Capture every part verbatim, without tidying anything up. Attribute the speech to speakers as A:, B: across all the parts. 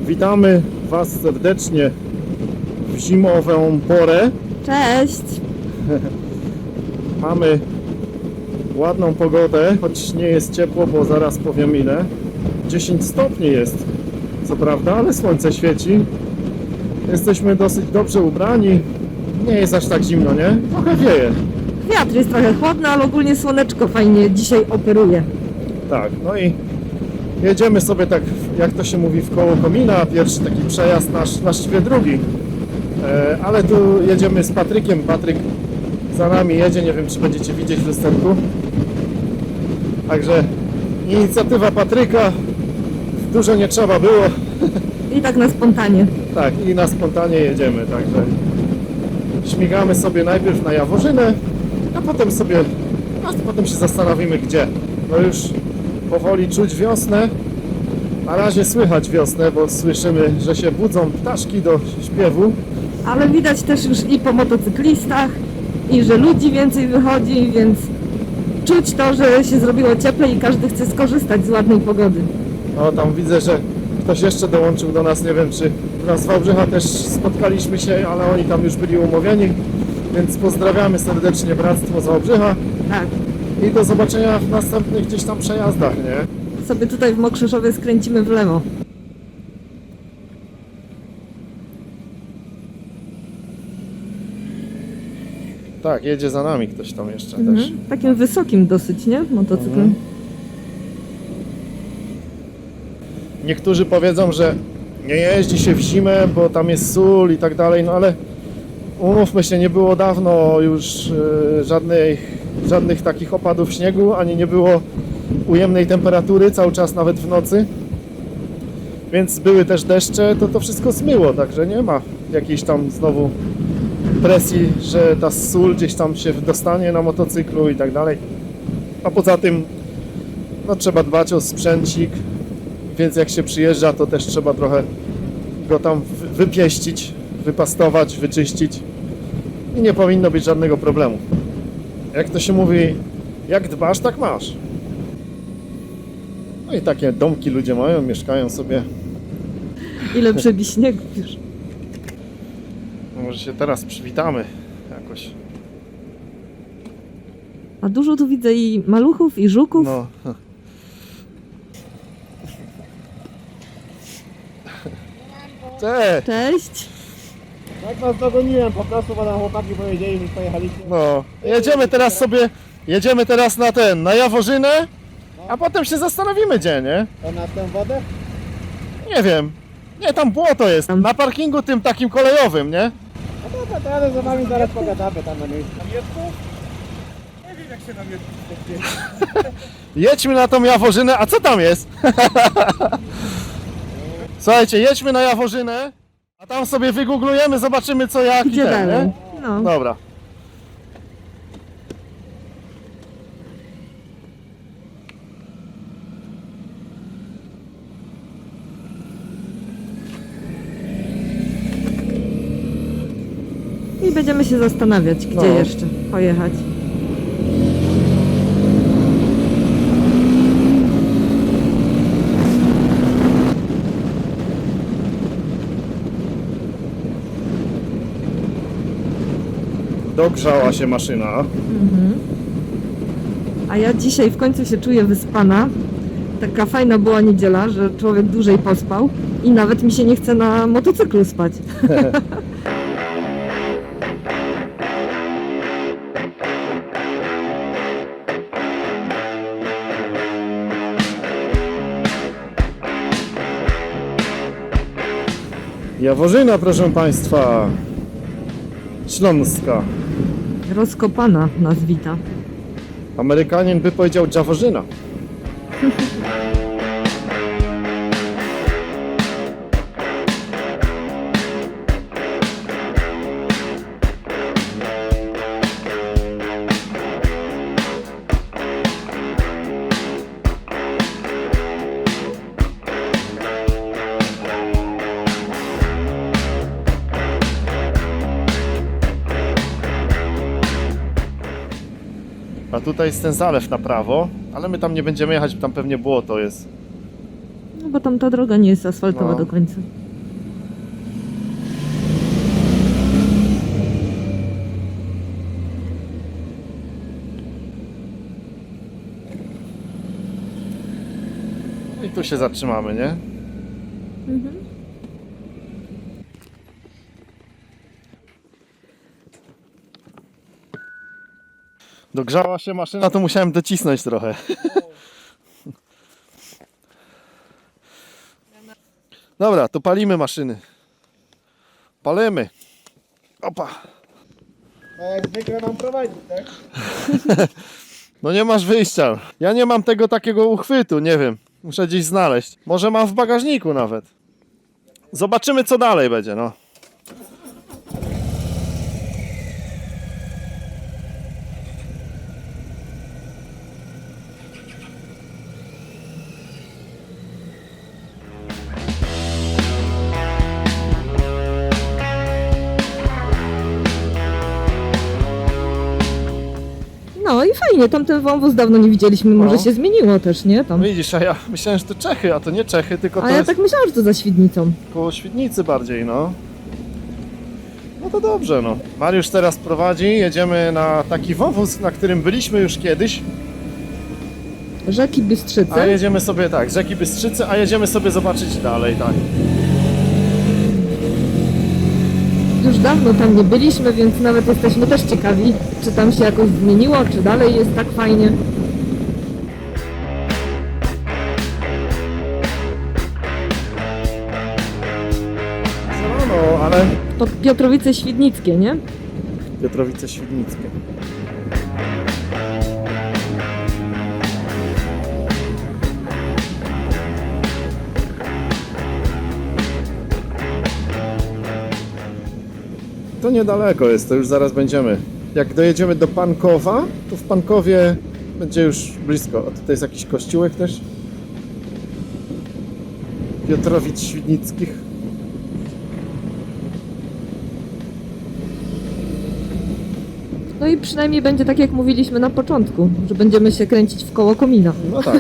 A: Witamy Was serdecznie w zimową porę.
B: Cześć!
A: Mamy ładną pogodę, choć nie jest ciepło, bo zaraz powiem ile. dziesięć stopni jest, co prawda, ale słońce świeci. Jesteśmy dosyć dobrze ubrani. Nie jest aż tak zimno, nie? Trochę wieje.
B: Wiatr jest trochę chłodny, ale ogólnie słoneczko fajnie dzisiaj operuje.
A: Tak, no i jedziemy sobie tak, jak to się mówi, w koło komina. Pierwszy taki przejazd, nasz właściwie drugi. E, ale tu jedziemy z Patrykiem. Patryk za nami jedzie, nie wiem, czy będziecie widzieć w lusterku. Także inicjatywa Patryka, dużo nie trzeba było.
B: I tak na spontanie.
A: Tak, i na spontanie jedziemy, także śmigamy sobie najpierw na Jaworzynę, a potem sobie, a potem się zastanowimy gdzie. No już powoli czuć wiosnę, na razie słychać wiosnę, bo słyszymy, że się budzą ptaszki do śpiewu.
B: Ale widać też już i po motocyklistach, i że ludzi więcej wychodzi, więc czuć to, że się zrobiło cieplej i każdy chce skorzystać z ładnej pogody.
A: No tam widzę, że ktoś jeszcze dołączył do nas, nie wiem czy nas z Wałbrzycha też spotkaliśmy się, ale oni tam już byli umówieni, więc pozdrawiamy serdecznie Bractwo z Wałbrzycha
B: Tak.
A: i do zobaczenia w następnych gdzieś tam przejazdach, nie?
B: Sobie tutaj w Mokrzyszowie skręcimy w lewo.
A: Tak, jedzie za nami ktoś tam jeszcze
B: Mhm.
A: też.
B: Takim wysokim dosyć, nie? Motocyklem.
A: Mhm. Niektórzy powiedzą, że nie jeździ się w zimę, bo tam jest sól i tak dalej, no ale umówmy się, nie było dawno już e, żadnych, żadnych takich opadów śniegu, ani nie było ujemnej temperatury, cały czas nawet w nocy. Więc były też deszcze, to to wszystko zmyło, także nie ma jakiejś tam znowu presji, że ta sól gdzieś tam się dostanie na motocyklu i tak dalej. A poza tym no, trzeba dbać o sprzęcik, więc jak się przyjeżdża, to też trzeba trochę go tam wy- wypieścić, wypastować, wyczyścić i nie powinno być żadnego problemu. Jak to się mówi, jak dbasz, tak masz. No i takie domki ludzie mają, mieszkają sobie.
B: Ile przebi śniegu już.
A: No może się teraz przywitamy jakoś.
B: A dużo tu widzę i maluchów, i żuków.
A: No. Cześć!
B: Cześć!
C: Jak was dogoniłem po prostu, bo nam chłopaki powiedzieli, że pojechaliście.
A: No, jedziemy teraz sobie, jedziemy teraz na ten, na Jaworzynę, a potem się zastanowimy gdzie, nie?
C: To na tę wodę?
A: Nie wiem. Nie, tam błoto jest, na parkingu tym takim kolejowym, nie?
C: No dobra, to ale za wami zaraz pogadamy tam na miejscu. Na miecku? Nie wiem jak się na miecku spotkać.
A: Jedźmy na tą Jaworzynę, a co tam jest? Słuchajcie, jedźmy na Jaworzynę, a tam sobie wygooglujemy, zobaczymy co jak
B: Gdzie
A: i ten,
B: dalej?
A: nie?
B: No.
A: Dobra.
B: I będziemy się zastanawiać, gdzie
A: No.
B: jeszcze pojechać.
A: Dogrzała się maszyna.
B: A ja dzisiaj w końcu się czuję wyspana. Taka fajna była niedziela, że człowiek dłużej pospał i nawet mi się nie chce na motocyklu spać.
A: Jaworzyna, proszę Państwa. Śląska.
B: Rozkopana nas wita.
A: Amerykanin by powiedział Jaworzyna. A tutaj jest ten zalew na prawo, ale my tam nie będziemy jechać, tam pewnie błoto jest.
B: bo tam ta droga nie jest asfaltowa
A: No.
B: do końca.
A: I tu się zatrzymamy, nie?
B: Mhm.
A: Dogrzała się maszyna, to musiałem docisnąć trochę. Dobra, to palimy maszyny. Palimy. Opa.
C: A jak zwykle mam prowadzić, tak?
A: No nie masz wyjścia. Ja nie mam tego takiego uchwytu, nie wiem. Muszę gdzieś znaleźć. Może mam w bagażniku nawet. Zobaczymy co dalej będzie, no.
B: No i fajnie, tamten wąwóz dawno nie widzieliśmy, może
A: No.
B: się zmieniło też, nie? Tam.
A: Widzisz, a ja myślałem, że to Czechy, a to nie Czechy, tylko to
B: A ja
A: jest
B: tak myślałam, że to za Świdnicą.
A: koło Świdnicy bardziej, no. No to dobrze, no. Mariusz teraz prowadzi, jedziemy na taki wąwóz, na którym byliśmy już kiedyś,
B: Rzeki
A: a
B: Bystrzyce.
A: jedziemy sobie, tak, z rzeki Bystrzycy, a jedziemy sobie zobaczyć dalej, tak.
B: Już dawno tam nie byliśmy, więc nawet jesteśmy też ciekawi, czy tam się jakoś zmieniło, czy dalej jest tak fajnie.
A: No, no, ale
B: To Piotrowice Świdnickie, nie?
A: Piotrowice Świdnickie. To niedaleko jest, to już zaraz będziemy. Jak dojedziemy do Pankowa, to w Pankowie będzie już blisko. A tutaj jest jakiś kościółek też. Piotrowic Świdnickich.
B: No i przynajmniej będzie tak, jak mówiliśmy na początku, że będziemy się kręcić w koło komina.
A: No tak.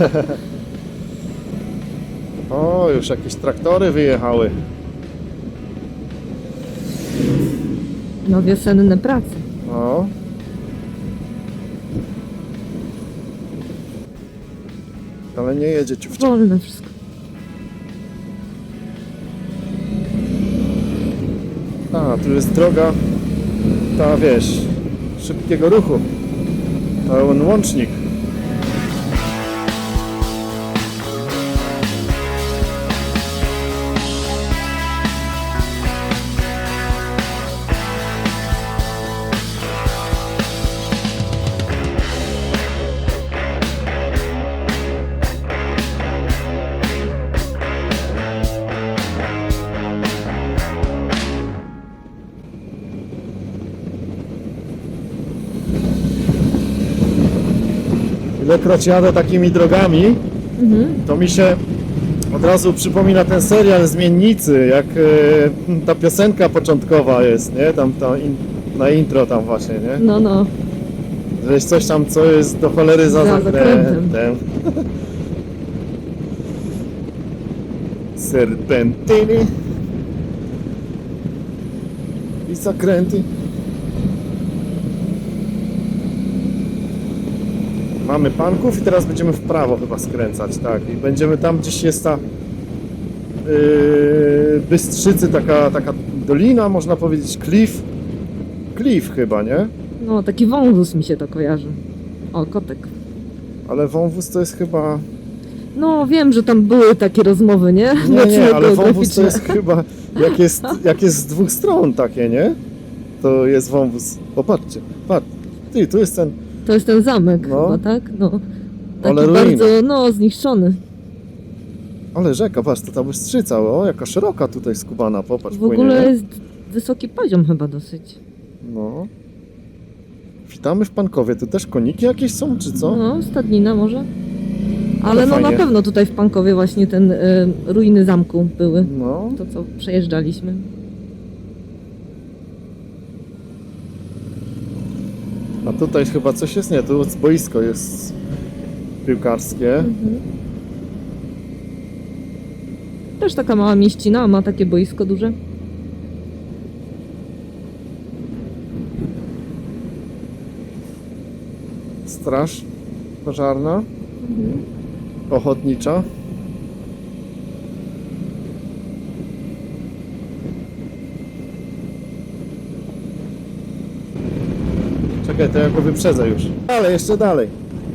A: O, już jakieś traktory wyjechały.
B: No wiosenne prace.
A: No. Ale nie jedzie ciufcia.
B: Wolne wszystko.
A: A, tu jest droga, ta wiesz, szybkiego ruchu. Pełen łącznik. Ilekroć jadę takimi drogami,
B: Mhm.
A: to mi się od razu przypomina ten serial Zmiennicy, jak e, ta piosenka początkowa jest, nie? Tam ta in, na intro tam właśnie, nie?
B: No, no.
A: Że jest coś tam, co jest do cholery za,
B: Za
A: zakrętem.
B: zakrętem.
A: Serpentyny i zakręty. Mamy Panków i teraz będziemy w prawo chyba skręcać, tak. I będziemy tam, gdzieś jest ta yy, Bystrzycy, taka, taka dolina, można powiedzieć, klif. Klif chyba, nie?
B: No, taki wąwóz mi się to kojarzy. O, kotek.
A: Ale wąwóz to jest chyba...
B: No, wiem, że tam były takie rozmowy, nie?
A: Nie, nie,
B: Nocne
A: ale wąwóz to
B: geograficzne.
A: jest chyba, jak jest, jak jest z dwóch stron takie, nie? To jest wąwóz. Popatrzcie, patrz. Ty, tu jest ten...
B: To jest ten zamek
A: No.
B: chyba, tak? No. Taki
A: Ale ruiny.
B: bardzo, no, zniszczony.
A: Ale rzeka, patrz, to ta Bystrzyca, o, jaka szeroka tutaj skubana, popatrz,
B: W
A: płynie,
B: ogóle
A: nie?
B: jest wysoki poziom chyba dosyć.
A: No. Witamy w Pankowie, tu też koniki jakieś są, czy co?
B: No, stadnina może. Ale
A: Ale
B: no na
A: fajnie.
B: pewno tutaj w Pankowie właśnie ten y, ruiny zamku były.
A: No.
B: To co przejeżdżaliśmy.
A: A tutaj chyba coś jest, nie, tu boisko jest piłkarskie.
B: Mhm. Też taka mała mieścina, a ma takie boisko duże.
A: Straż pożarna,
B: Mhm.
A: ochotnicza. Czekaj, to ja go wyprzedzę już. Ale jeszcze dalej.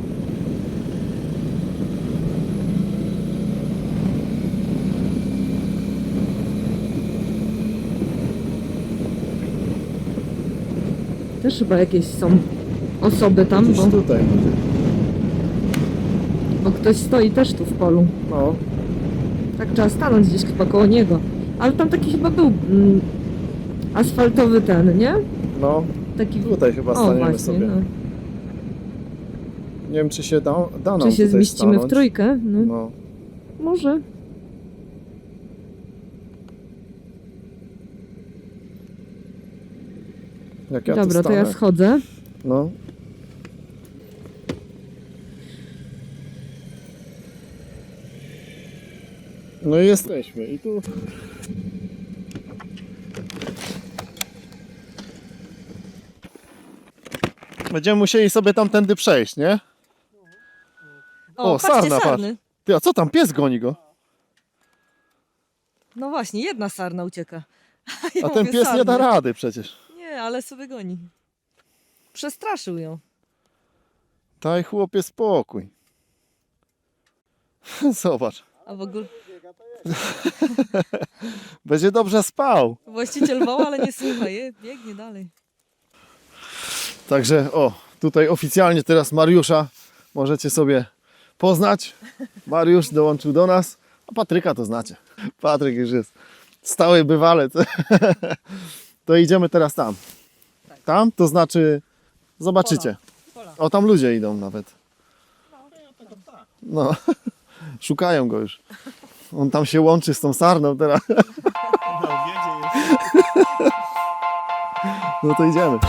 B: Też chyba jakieś są osoby tam,
A: Gdzieś
B: bo,
A: tutaj.
B: bo ktoś stoi też tu w polu.
A: No,
B: Tak trzeba stanąć gdzieś chyba koło niego. Ale tam taki chyba był mm, asfaltowy ten, nie?
A: no.
B: Taki...
A: Tutaj chyba
B: O
A: staniemy
B: właśnie,
A: sobie.
B: no.
A: Nie wiem, czy się da, da nam
B: Czy się
A: tutaj
B: zmieścimy
A: stanąć.
B: w trójkę? No.
A: No.
B: Może.
A: Jak ja tu
B: Dobra, to ja
A: stanę?
B: schodzę.
A: No. No i jesteśmy. I tu... Będziemy musieli sobie tamtędy przejść, nie?
B: O,
A: O,
B: patrzcie,
A: sarna, patrz.
B: sarny.
A: Ty, a co tam? Pies goni go.
B: No właśnie, jedna sarna ucieka. Ja
A: A ten
B: mówię,
A: pies nie da
B: sarny.
A: rady przecież.
B: Nie, ale sobie goni. Przestraszył ją.
A: Daj chłopie spokój. Zobacz.
B: A w ogóle
A: Będzie dobrze spał.
B: właściciel woła, ale nie słucha. Je, biegnie dalej.
A: Także o, tutaj oficjalnie teraz Mariusza możecie sobie poznać. Mariusz dołączył do nas, a Patryka to znacie. Patryk już jest stały bywalec. To idziemy teraz tam. Tam to znaczy zobaczycie. O, tam ludzie idą nawet. No, szukają go już. On tam się łączy z tą sarną teraz. No to idziemy.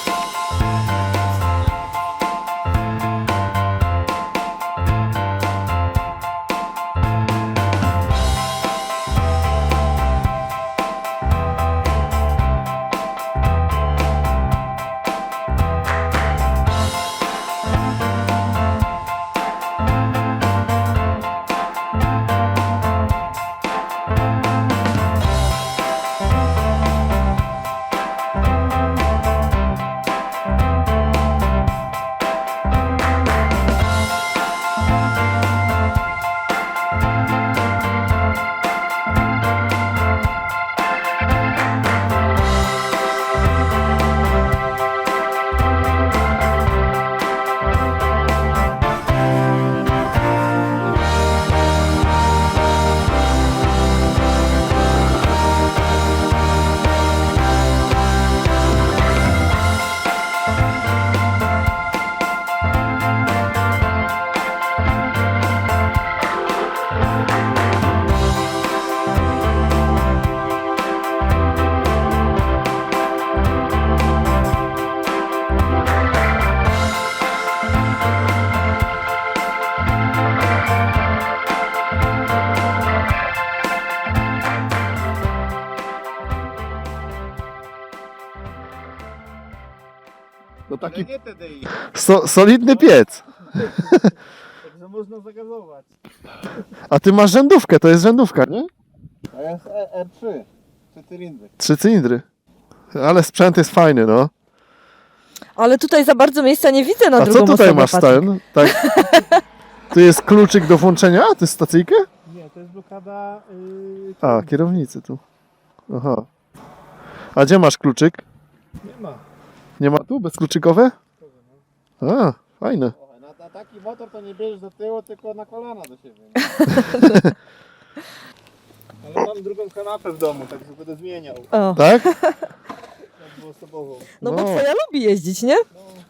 A: To taki
C: Nie T D I,
A: so, solidny piec.
C: także można zagazować.
A: A ty masz rzędówkę, to jest rzędówka, nie?
C: A jest E- R trzy, trzy cylindry.
A: Trzy cylindry. Ale sprzęt jest fajny, no.
B: Ale tutaj za bardzo miejsca nie widzę na
A: A
B: drugą
A: co tutaj
B: osobę,
A: masz
B: Patryk.
A: ten? Tak. Tu jest kluczyk do włączenia? To jest stacyjkę?
C: Nie, to jest blokada... Yy,
A: A, kierownicy tu. Aha. A gdzie masz kluczyk?
C: nie ma.
A: Nie ma tu? Bezkluczykowe? A, fajne.
C: O, na, na taki motor to nie bierzesz do tyłu, tylko na kolana do siebie. Ale mam drugą kanapę w domu, także będę zmieniał.
B: O,
A: Tak?
C: Dwuosobową.
B: no bo
A: No.
B: twoja lubi jeździć, nie?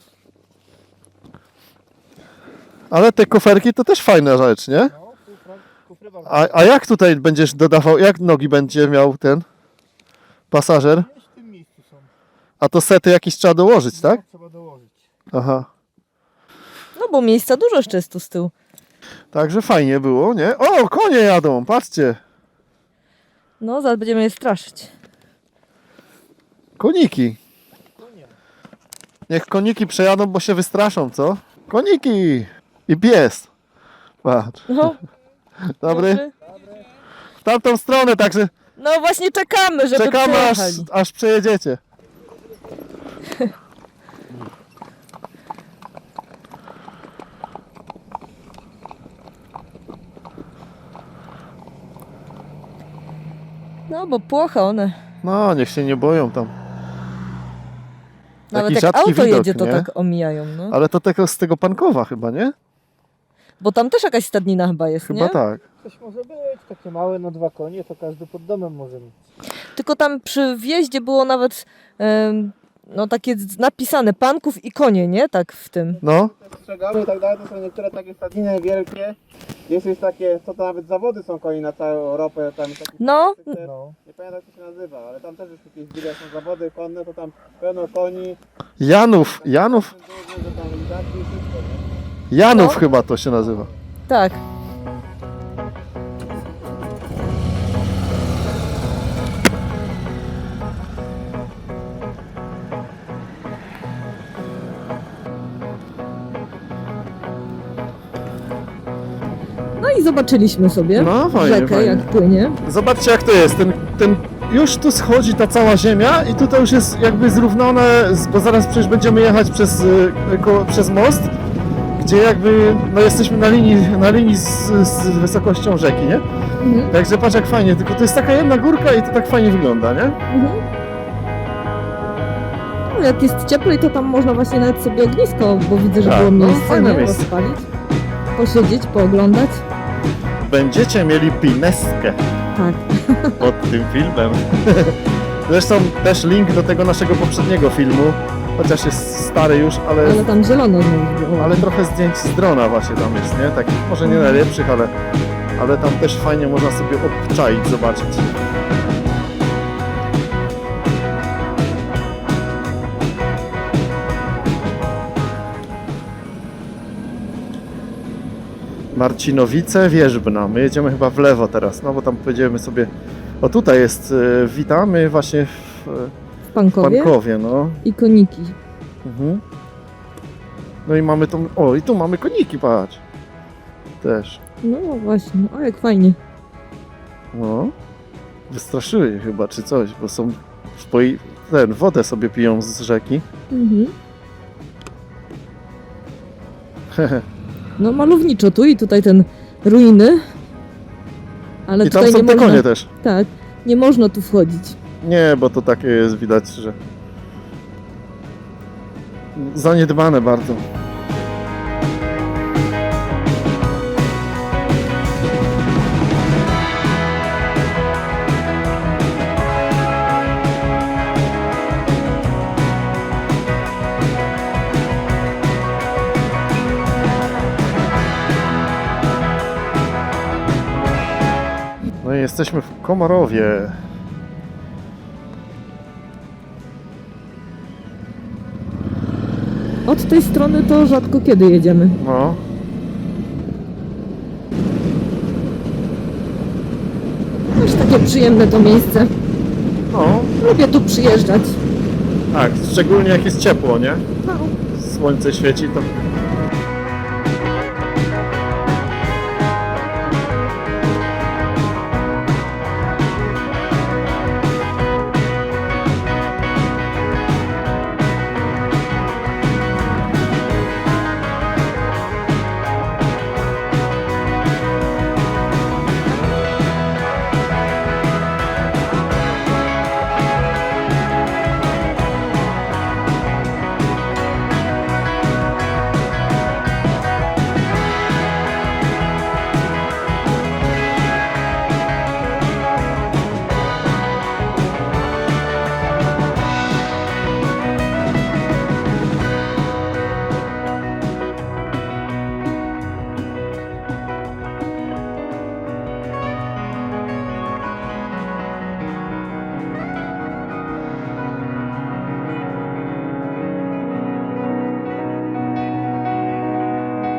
A: Ale te koferki to też fajna rzecz, nie?
C: No, kufra, kufry bardzo.
A: A, a jak tutaj będziesz dodawał, jak nogi będzie miał ten pasażer?
C: Gdzieś w tym miejscu są.
A: A to sety jakieś trzeba dołożyć, tak?
C: No, trzeba dołożyć.
A: Aha.
B: No bo miejsca dużo jeszcze jest tu z tyłu.
A: Także fajnie było, nie? O, konie jadą, patrzcie.
B: No, zaraz będziemy je straszyć.
A: Koniki. Niech koniki przejadą, bo się wystraszą, co? Koniki! I pies. Patrz.
B: No,
A: Dobry?
B: dobry.
A: W tamtą stronę, także
B: No właśnie czekamy, żeby
A: czekamy aż,
B: przyjechali.
A: aż przejedziecie.
B: No, bo płocha one.
A: No, niech się nie boją tam.
B: Nawet
A: Taki
B: jak
A: rzadki
B: auto
A: widok,
B: jedzie, to
A: nie?
B: tak omijają, no.
A: Ale to tego z tego Pankowa chyba, nie?
B: Bo tam też jakaś stadnina chyba jest,
A: Chyba
B: nie?
A: tak.
C: Coś może być, takie małe na dwa konie, to każdy pod domem może mieć.
B: Tylko tam przy wjeździe było nawet em, no takie z- napisane panków i konie, nie? Tak w tym.
A: No,
C: Strzegały i tak dalej, to są niektóre takie stadniny wielkie. Jest już takie, co to nawet zawody są koni na całą Europę. Tam taki
B: No.
C: no. Nie pamiętam jak to się nazywa, ale tam też już jakieś gdzie są zawody konne, to tam pełno koni.
A: Janów, Janów,
C: Duży, że tam i tak i wszystko, nie?
A: Janów
B: No.
A: chyba to się nazywa.
B: Tak. No i zobaczyliśmy sobie
A: No, fajnie,
B: rzekę,
A: fajnie.
B: jak płynie.
A: Zobaczcie jak to jest, ten, ten, już tu schodzi ta cała ziemia i tutaj już jest jakby zrównane, z- bo zaraz przecież będziemy jechać przez, y, ko, przez most, gdzie jakby, no jesteśmy na linii, na linii z, z wysokością rzeki, nie?
B: Mhm.
A: Także patrz jak fajnie, tylko to jest taka jedna górka i to tak fajnie wygląda, nie?
B: Mhm. No, jak jest cieplej, to tam można właśnie nawet sobie ognisko, bo widzę, że
A: Tak,
B: było
A: no,
B: miejsce,
A: fajne
B: nie?
A: miejsce.
B: Rozpalić, posiedzieć, pooglądać.
A: Będziecie mieli pineskę
B: Tak.
A: pod tym filmem. Zresztą też link do tego naszego poprzedniego filmu, chociaż jest stary już, ale,
B: Ale tam zielono znowu było.
A: ale trochę zdjęć z drona właśnie tam jest, nie? Takich może nie najlepszych, ale, ale tam też fajnie można sobie obczaić, zobaczyć. Marcinowice, Wierzbna. My jedziemy chyba w lewo teraz, no bo tam pojedziemy sobie... O tutaj jest, y, witamy właśnie w,
B: w
A: w
B: Pankowie
A: Pankowie, no.
B: i koniki.
A: Mhm. No i mamy tą... O, i tu mamy koniki, patrz. Też.
B: No właśnie, o jak fajnie.
A: No. Wystraszyły je chyba, czy coś, bo są... w poi- Ten, wodę sobie piją z rzeki.
B: Mhm. No malowniczo tu i tutaj ten ruiny. Ale
A: I tam
B: tutaj
A: są
B: nie
A: te
B: można,
A: konie też.
B: tak, nie można tu wchodzić.
A: Nie, bo to takie jest, widać, że... Zaniedbane bardzo. No i jesteśmy w Komorowie.
B: Od tej strony to rzadko kiedy jedziemy.
A: No.
B: Też takie przyjemne to miejsce.
A: No,
B: Lubię tu przyjeżdżać.
A: tak, szczególnie jak jest ciepło, nie?
B: No.
A: Słońce świeci, to...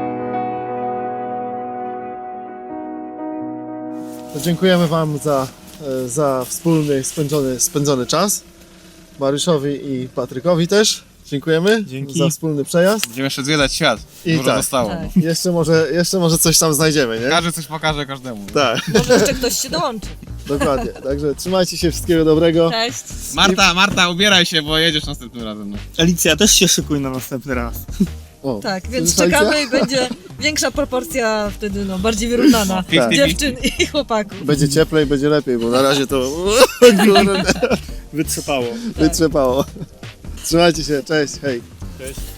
A: To dziękujemy Wam za e, za wspólny spędzony, spędzony czas. Mariuszowi i Patrykowi też dziękujemy
D: Dzięki.
A: za wspólny przejazd.
E: Będziemy jeszcze zwiedzać świat.
A: I
E: Dużo
A: tak.
E: zostało.
B: Tak.
A: Jeszcze może, jeszcze może coś tam znajdziemy, nie?
E: Każdy coś pokaże każdemu.
A: Tak,
B: Może jeszcze ktoś się dołączy.
A: dokładnie. Także trzymajcie się, wszystkiego dobrego.
B: Cześć.
E: Marta, Marta, ubieraj się, bo jedziesz następnym razem. No.
D: Alicja, też się szykuj na następny raz.
A: O,
B: Tak, więc
A: słyszeliście?
B: czekamy i będzie większa proporcja wtedy, no, bardziej wyrównana
A: Tak.
B: dziewczyn i chłopaków.
A: Będzie cieplej, będzie lepiej, bo na razie to kurde,
D: Wytrzepało.
A: wytrzepało. Trzymajcie się, cześć, hej.
D: Cześć.